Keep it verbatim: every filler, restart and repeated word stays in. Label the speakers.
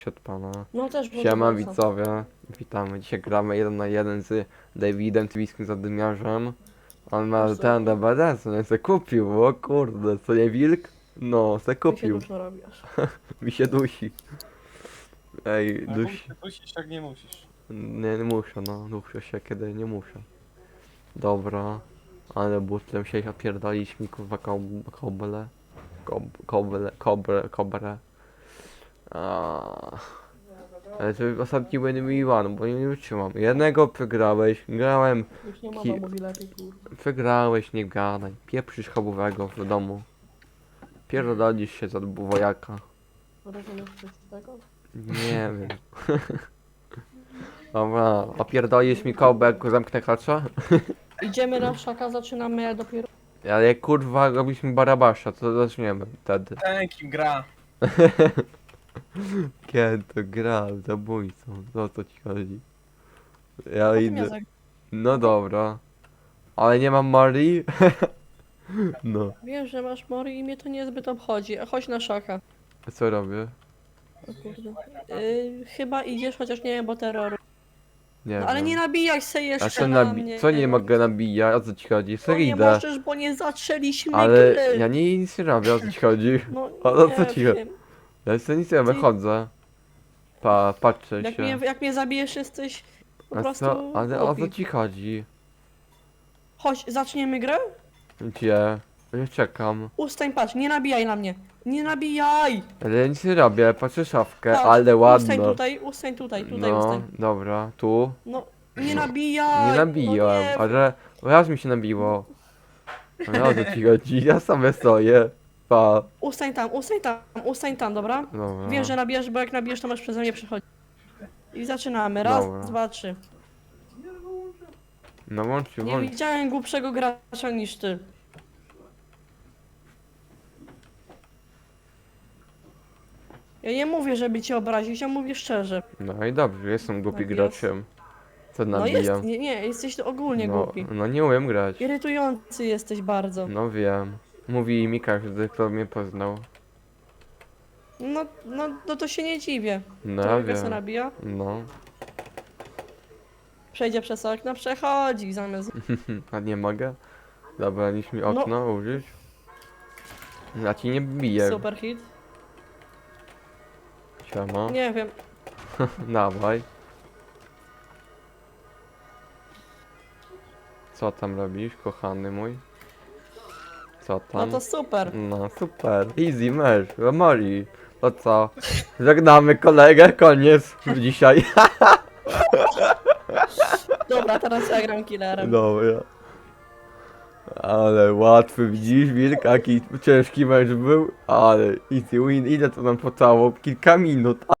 Speaker 1: Od pana.
Speaker 2: No też było
Speaker 1: Siema
Speaker 2: co.
Speaker 1: widzowie, witamy. Dzisiaj gramy jeden na jeden z Davidem Twiskim Zadymiarzem. On ma
Speaker 2: Wiesz co,
Speaker 1: ten
Speaker 2: no.
Speaker 1: D B D, co nie se kupił, o kurde, co nie wilk? No, se
Speaker 2: Mi się
Speaker 1: kupił,
Speaker 2: duszno robisz.
Speaker 1: mi się dusi. Ej,
Speaker 3: Ale
Speaker 1: dusi.
Speaker 3: musisz, musisz, tak nie musisz.
Speaker 1: Nie, nie muszę, no, duszę się kiedy nie muszę. Dobra, ale butlem się opierdalić mi kurwa kob- koble. Kob, koble, kobre, kobre. Aaaa. Ale to ostatni win mi one, bo nie wytrzymam. Jednego przegrałeś, grałem,
Speaker 2: Już nie
Speaker 1: Ki-
Speaker 2: mowa mówi lepiej, kurwa.
Speaker 1: przegrałeś, nie gadaj. Pieprzysz chabowego w domu. Pierdolisz się za wojaka.
Speaker 2: Rozumiesz coś z tego?
Speaker 1: Nie wiem. Dobra, opierdolisz mi kołbę, jak zamknę kacza?
Speaker 2: Idziemy na szaka, zaczynamy ja dopiero.
Speaker 1: Ale kurwa, robisz mi barabasza, to zaczniemy wtedy.
Speaker 3: Ten kim gra.
Speaker 1: Kiedy to gra, zabójcą, o co ci chodzi? Ja
Speaker 2: Potem ja
Speaker 1: idę.
Speaker 2: za...
Speaker 1: No dobra. Ale nie mam Marii? No.
Speaker 2: Wiem, że masz mory i mnie to niezbyt obchodzi. A chodź na szaka.
Speaker 1: A co robię?
Speaker 2: O kurde. Yy, chyba idziesz, chociaż nie wiem, bo terroru.
Speaker 1: Nie
Speaker 2: No, ale
Speaker 1: wiem.
Speaker 2: nie nabijaj się
Speaker 1: A
Speaker 2: jeszcze
Speaker 1: co,
Speaker 2: na
Speaker 1: nabi-
Speaker 2: mnie.
Speaker 1: co nie mogę nabijać? O co ci chodzi?
Speaker 2: No
Speaker 1: Co
Speaker 2: nie
Speaker 1: idę?
Speaker 2: możesz, bo nie zaczęliśmy
Speaker 1: Ale
Speaker 2: gry.
Speaker 1: ja nie nic nie robię, o co ci chodzi?
Speaker 2: No
Speaker 1: O
Speaker 2: nie
Speaker 1: co ci chodzi?
Speaker 2: wiem.
Speaker 1: Ja jeszcze nic nie robię,
Speaker 2: Ty-
Speaker 1: chodzę. Pa, patrzę
Speaker 2: Jak
Speaker 1: się.
Speaker 2: mnie, jak mnie zabijesz, jesteś po
Speaker 1: A
Speaker 2: prostu
Speaker 1: co? Ale o co
Speaker 2: głupi.
Speaker 1: ci chodzi?
Speaker 2: Chodź, zaczniemy grę?
Speaker 1: Gdzie? Ja czekam.
Speaker 2: Ustań, patrz, nie nabijaj na mnie. Nie nabijaj!
Speaker 1: Ale ja nic nie robię, patrzę szafkę,
Speaker 2: Patrz,
Speaker 1: ale
Speaker 2: Ustań
Speaker 1: ładno.
Speaker 2: tutaj, ustań tutaj, tutaj
Speaker 1: No,
Speaker 2: ustań.
Speaker 1: dobra, tu.
Speaker 2: No, nie nabijaj!
Speaker 1: Nie nabiłem,
Speaker 2: No nie.
Speaker 1: ale raz mi się nabiło. Ale o co ci chodzi? Ja sobie stoję. Pa.
Speaker 2: Ustań tam, ustań tam, ustań tam, dobra?
Speaker 1: Dobra.
Speaker 2: Wiem, że nabijesz, bo jak nabijesz, to masz przeze mnie przechodzić. I zaczynamy. Raz,
Speaker 1: Dobra.
Speaker 2: dwa, trzy.
Speaker 1: No włączcie,
Speaker 2: Nie
Speaker 1: włącz.
Speaker 2: widziałem głupszego gracza niż ty. Ja nie mówię, żeby cię obrazić, ja mówię szczerze.
Speaker 1: No i dobrze, jestem głupi
Speaker 2: Tak jest.
Speaker 1: graczem. Co
Speaker 2: No
Speaker 1: nabijam?
Speaker 2: jest, nie, nie, jesteś ogólnie
Speaker 1: no,
Speaker 2: głupi.
Speaker 1: no nie umiem grać.
Speaker 2: Irytujący jesteś bardzo.
Speaker 1: No wiem. Mówi mi każdy, kto mnie poznał.
Speaker 2: No, no, no to się nie dziwię.
Speaker 1: No
Speaker 2: To
Speaker 1: ja
Speaker 2: jak se
Speaker 1: wiem.
Speaker 2: nabija?
Speaker 1: No.
Speaker 2: Przejdzie przez okno, przechodzi zamiast...
Speaker 1: A nie mogę? Dobra, niż mi
Speaker 2: No.
Speaker 1: okno użyć. Ja ci nie biję.
Speaker 2: Super hit.
Speaker 1: Siema.
Speaker 2: Nie wiem.
Speaker 1: Dawaj. Co tam robisz, kochany mój? Co
Speaker 2: No
Speaker 1: tam?
Speaker 2: to super.
Speaker 1: No super. Easy mecz, Mori. To co? Żegnamy kolegę, koniec dzisiaj.
Speaker 2: Dobra, teraz ja gram killerem.
Speaker 1: Dobra. Ale łatwy, widzisz wilk, jaki ciężki mecz był? Ale easy win, ile to nam pocało? Kilka minut.